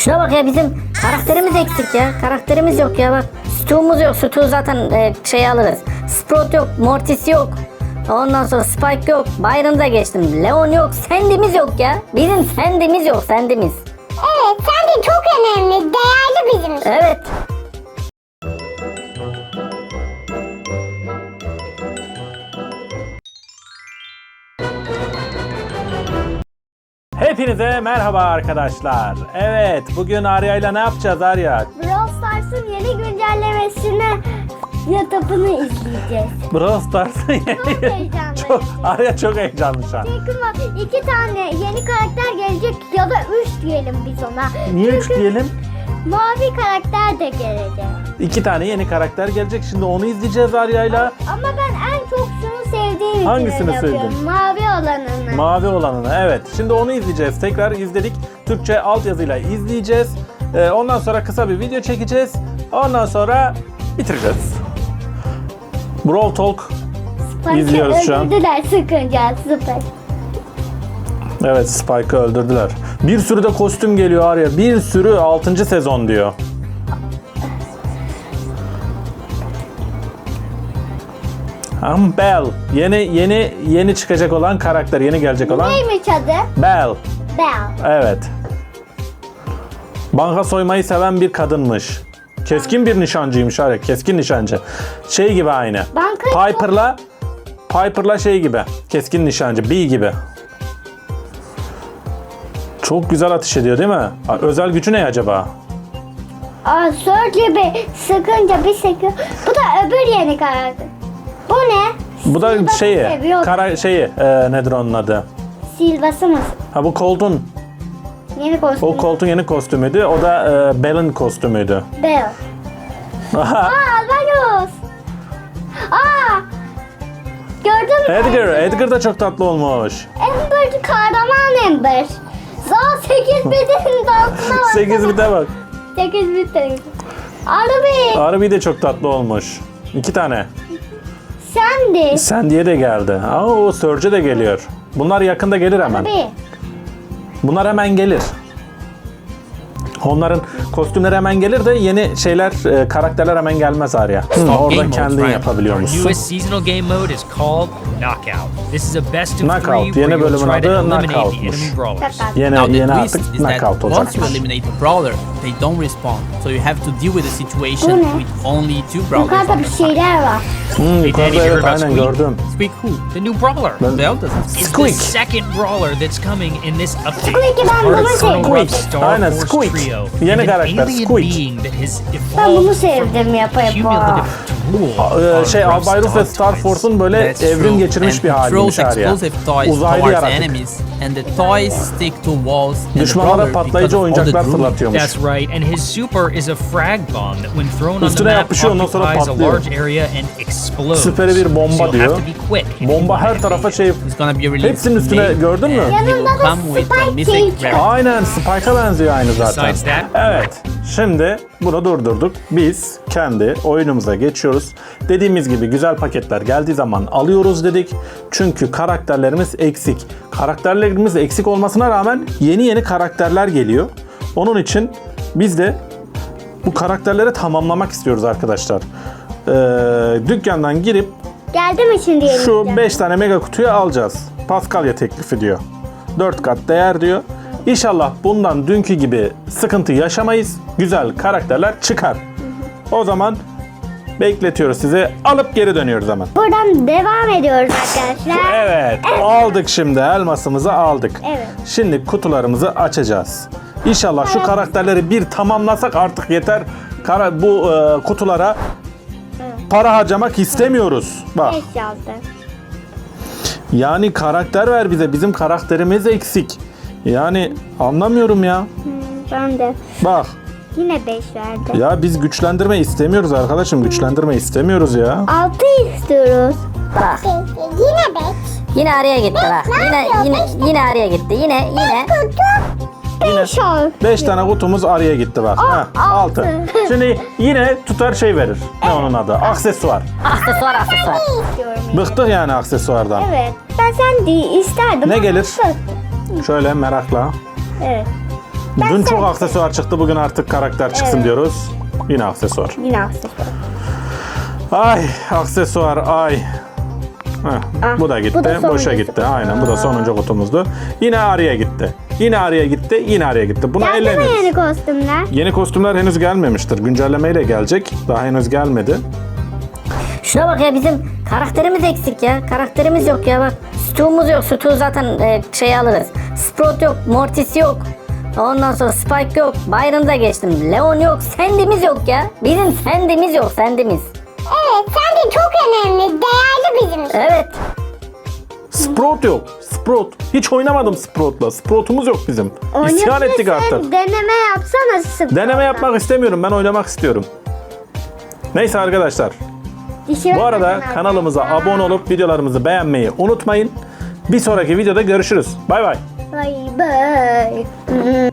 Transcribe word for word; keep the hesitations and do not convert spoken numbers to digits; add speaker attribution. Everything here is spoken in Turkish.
Speaker 1: Şuna bak ya, bizim karakterimiz eksik ya. Karakterimiz yok ya bak. Stu'muz yok. Stu zaten e, şey alırız. Sprout yok. Mortis yok. Ondan sonra Spike yok. Byron'da geçtim. Leon yok. Sandy'miz yok ya. Bizim Sandy'miz yok. Sandy'miz.
Speaker 2: Evet, Sandy çok önemli. Değerli bizim için.
Speaker 1: Evet.
Speaker 3: Hepinize merhaba arkadaşlar. Evet, bugün Arya'yla ne yapacağız Arya?
Speaker 2: Brawl Stars'ın yeni güncellemesine YouTube'unu izleyeceğiz.
Speaker 3: Brawl Stars'ın
Speaker 2: Çok heyecanlıyım.
Speaker 3: çok, Arya çok heyecanlı şu an.
Speaker 2: Çünkü bak, iki tane yeni karakter gelecek ya da üç diyelim biz ona.
Speaker 3: Niye üç
Speaker 2: Çünkü
Speaker 3: diyelim?
Speaker 2: mavi karakter de gelecek.
Speaker 3: İki tane yeni karakter gelecek. Şimdi onu izleyeceğiz Arya'yla.
Speaker 2: Ama ben en çok şunu sevdiğim için
Speaker 3: Hangisini
Speaker 2: öyle yapıyorum.
Speaker 3: sevdin?
Speaker 2: Mavi olanını.
Speaker 3: Mavi olanını. Evet. Şimdi onu izleyeceğiz. Tekrar izledik. Türkçe altyazıyla izleyeceğiz. Ee, ondan sonra kısa bir video çekeceğiz. Ondan sonra bitireceğiz. Brawl Talk
Speaker 2: Spike'ı
Speaker 3: izliyoruz şu an.
Speaker 2: öldürdüler sıkınca süper.
Speaker 3: Evet, Spike'ı öldürdüler. Bir sürü de kostüm geliyor Arya. Bir sürü altıncı sezon diyor. Am Belle. Yeni yeni yeni çıkacak olan karakter, yeni gelecek olan
Speaker 2: Neymiş adı?
Speaker 3: Belle.
Speaker 2: Belle.
Speaker 3: Evet. Banka soymayı seven bir kadınmış. Keskin bir nişancıymış Arya. Keskin nişancı. Şey gibi aynı.
Speaker 2: Banka
Speaker 3: Piper'la Piper'la şey gibi. Keskin nişancı. Bee gibi. Çok güzel ateş ediyor değil mi? Özel gücü ne acaba?
Speaker 2: Aa, Surge gibi sıkınca bir sıkıyor. Bu da öbür yeni karakter. Bu ne?
Speaker 3: Bu da
Speaker 2: Silva'sı
Speaker 3: şeyi,
Speaker 2: seviyorum.
Speaker 3: kara şeyi, e, nedir onun adı?
Speaker 2: Silva'sı mı?
Speaker 3: Ha bu Colt'un,
Speaker 2: Yeni kostüm.
Speaker 3: o Colt'un yeni kostümüydü. O da e, Belle'in kostümüydü.
Speaker 2: Belle.
Speaker 3: Aha.
Speaker 2: Aa, Alvaros. Aa! Gördün mü?
Speaker 3: Edgar, Edgar da çok tatlı olmuş.
Speaker 2: Amber, kahraman Amber. Za sekiz bitin dansına bak.
Speaker 3: sekiz bite bak.
Speaker 2: sekiz bitin. Arabi.
Speaker 3: Arabi de çok tatlı olmuş. İki tane.
Speaker 2: Sandy.
Speaker 3: Sandy'ye de geldi. Aa, o Surge de geliyor. Bunlar yakında gelir hemen.
Speaker 2: Arabi.
Speaker 3: Bunlar hemen gelir. Onların kostümleri hemen gelir de yeni şeyler, e, karakterler hemen gelmez Arya. Hı,
Speaker 4: Game
Speaker 3: orada
Speaker 4: modes,
Speaker 3: kendin
Speaker 4: Ryan. Our
Speaker 3: yapabiliyormuşsun.
Speaker 4: newest seasonal game mode is called Knockout. This is a best of
Speaker 3: Knockout.
Speaker 4: three
Speaker 3: Yeni
Speaker 4: where you'll
Speaker 3: bölümün
Speaker 4: try to
Speaker 3: adı
Speaker 4: eliminate the
Speaker 3: Knockout'muş.
Speaker 4: enemy brawlers.
Speaker 3: Yeni,
Speaker 5: Now the
Speaker 3: yeni
Speaker 5: twist
Speaker 3: artık
Speaker 5: is that
Speaker 3: knockout
Speaker 5: once you
Speaker 3: olacakmış.
Speaker 5: eliminate the brawler, they don't respawn. So you have to deal with the situation
Speaker 2: Bu ne?
Speaker 5: with only two brawlers.
Speaker 2: Yukarıda
Speaker 5: on
Speaker 2: bir
Speaker 5: your side.
Speaker 2: şeyler var.
Speaker 3: Hmm,
Speaker 4: Hey
Speaker 3: yukarıda
Speaker 4: Danny, you heard
Speaker 3: evet
Speaker 4: about
Speaker 3: aynen
Speaker 4: Squeak?
Speaker 3: gördüm.
Speaker 5: Squeak who?
Speaker 4: The new brawler.
Speaker 3: Ben-
Speaker 5: Bell doesn't.
Speaker 4: It's
Speaker 3: Squeak.
Speaker 4: the second brawler that's coming in this update.
Speaker 2: Squeak'i ben
Speaker 4: Part
Speaker 2: bunu
Speaker 4: of Colonel
Speaker 2: sevdim.
Speaker 4: Ruff's Star
Speaker 3: Aynen,
Speaker 4: Force
Speaker 3: Squeak.
Speaker 4: Trio.
Speaker 3: Yeni
Speaker 4: and an
Speaker 3: karakter,
Speaker 4: alien
Speaker 3: Squeak.
Speaker 4: being that has
Speaker 2: Ben bunu
Speaker 4: evolved
Speaker 2: sevdim
Speaker 4: from
Speaker 2: yapa yapa.
Speaker 4: cumulative drool
Speaker 3: Ee,
Speaker 4: on
Speaker 3: şey
Speaker 4: Ruff's
Speaker 3: Albay Ruff ve
Speaker 4: dog
Speaker 3: Star
Speaker 4: toys.
Speaker 3: Force'un böyle
Speaker 5: That's
Speaker 3: evrim
Speaker 5: true.
Speaker 3: geçirmiş
Speaker 5: And
Speaker 3: bir
Speaker 5: he
Speaker 3: haliymiş
Speaker 5: throws
Speaker 3: Arya.
Speaker 5: explosive toys
Speaker 3: Uzaylı
Speaker 5: towards
Speaker 3: yaratık.
Speaker 5: enemies, and the toys stick to walls and the
Speaker 3: Düşmanlara
Speaker 5: brawler because
Speaker 3: patlayıcı
Speaker 5: of all the
Speaker 3: oyuncaklar
Speaker 5: drooling.
Speaker 3: fırlatıyormuş.
Speaker 4: That's right, and his super is a frag bomb that when thrown on the
Speaker 3: Üstüne
Speaker 4: map
Speaker 3: yapışıyor, ondan sonra
Speaker 4: occupies a
Speaker 3: patlıyor.
Speaker 4: large area and explodes.
Speaker 3: Süperi bir bomba
Speaker 4: So you'll
Speaker 3: diyor.
Speaker 4: have to be quick if you
Speaker 3: Bomba
Speaker 4: want
Speaker 3: her
Speaker 4: to
Speaker 3: tarafa
Speaker 4: evade.
Speaker 3: şey...
Speaker 5: It's gonna be released
Speaker 3: Hepsinin üstüne
Speaker 5: May,
Speaker 3: gördün mü?
Speaker 5: and he
Speaker 2: Yanında
Speaker 5: will
Speaker 2: da
Speaker 5: come with a
Speaker 2: Spike
Speaker 5: mythic
Speaker 2: Cage
Speaker 5: rare.
Speaker 2: var.
Speaker 3: Aynen Spike'a benziyor aynı zaten.
Speaker 4: Besides that-
Speaker 3: Evet. Şimdi bunu durdurduk. Biz kendi oyunumuza geçiyoruz. Dediğimiz gibi güzel paketler geldiği zaman alıyoruz dedik. Çünkü karakterlerimiz eksik. Karakterlerimiz eksik olmasına rağmen yeni yeni karakterler geliyor. Onun için biz de bu karakterleri tamamlamak istiyoruz arkadaşlar. Ee, dükkandan girip
Speaker 2: Geldi mi şimdi yeni?
Speaker 3: şu
Speaker 2: video?
Speaker 3: beş tane mega kutuyu alacağız. Paskalya teklifi diyor. dört kat değer diyor. İnşallah bundan dünkü gibi sıkıntı yaşamayız. Güzel karakterler çıkar. O zaman bekletiyoruz sizi. Alıp geri dönüyoruz hemen.
Speaker 2: Buradan devam ediyoruz arkadaşlar.
Speaker 3: Evet. Aldık şimdi. Elmasımızı aldık.
Speaker 2: Evet.
Speaker 3: Şimdi kutularımızı açacağız. İnşallah şu karakterleri bir tamamlasak artık yeter. Kara, bu e, kutulara para harcamak istemiyoruz. Bak.
Speaker 2: beş yazdı.
Speaker 3: Yani karakter ver bize. Bizim karakterimiz eksik. Yani anlamıyorum ya.
Speaker 2: Ben de.
Speaker 3: Bak.
Speaker 2: Yine beş verdi.
Speaker 3: Ya biz güçlendirme istemiyoruz arkadaşım. Güçlendirme istemiyoruz ya.
Speaker 2: altı istiyoruz.
Speaker 1: Bak.
Speaker 2: Yine beş.
Speaker 1: Yine araya gitti bak. Yine yine yine araya gitti. Yine yine.
Speaker 2: beş ol.
Speaker 3: beş tane kutumuz araya gitti bak. Heh, altı.
Speaker 2: altı.
Speaker 3: Şimdi yine tutar şey verir. Ne onun adı? Aksesuar.
Speaker 1: Aksesuar aksesuar.
Speaker 2: istiyorum.
Speaker 3: Bıktık yani aksesuardan.
Speaker 2: Evet. Ben sen de isterdim.
Speaker 3: Ne
Speaker 2: ama
Speaker 3: gelir?
Speaker 2: bıktım.
Speaker 3: Şöyle merakla.
Speaker 2: Evet.
Speaker 3: Dün çok aksesuar çıktı, bugün artık karakter çıksın
Speaker 2: Evet.
Speaker 3: diyoruz. Yine aksesuar.
Speaker 2: Yine aksesuar.
Speaker 3: Ay aksesuar ay. Heh,
Speaker 2: Ah,
Speaker 3: bu da gitti.
Speaker 2: bu da
Speaker 3: Boşa
Speaker 2: sonuncusu.
Speaker 3: gitti. Aynen bu da sonuncu kutumuzdu. Yine Arya gitti. Yine Arya gitti. Yine Arya gitti. Buna
Speaker 2: Geldi mi
Speaker 3: ellemiyoruz.
Speaker 2: yeni kostümler?
Speaker 3: Yeni kostümler henüz gelmemiştir. Güncellemeyle gelecek. Daha henüz gelmedi.
Speaker 1: Şuna bak ya, bizim karakterimiz eksik ya. Karakterimiz yok ya bak. Stu'muz yok. Stu zaten e, şey alırız. Sprout yok. Mortis yok. Ondan sonra Spike yok. Byron'da geçtim. Leon yok. Sandy'miz yok ya. Bizim Sandy'miz yok. Sandy'miz.
Speaker 2: Evet, sen de çok önemli. Değerli bizim için.
Speaker 1: Evet.
Speaker 3: Sprout yok. Sprout. Hiç oynamadım Sprout'la. Sprout'umuz yok bizim. İsyan ettik artık.
Speaker 2: Deneme yapsana sıfır.
Speaker 3: Deneme yapmak istemiyorum. Ben oynamak istiyorum. Neyse arkadaşlar.
Speaker 2: Dişi
Speaker 3: Bu arada
Speaker 2: bakın
Speaker 3: kanalımıza
Speaker 2: arkadaşlar.
Speaker 3: abone olup videolarımızı beğenmeyi unutmayın. Bir sonraki videoda görüşürüz. Bay bay.
Speaker 2: Bay bay.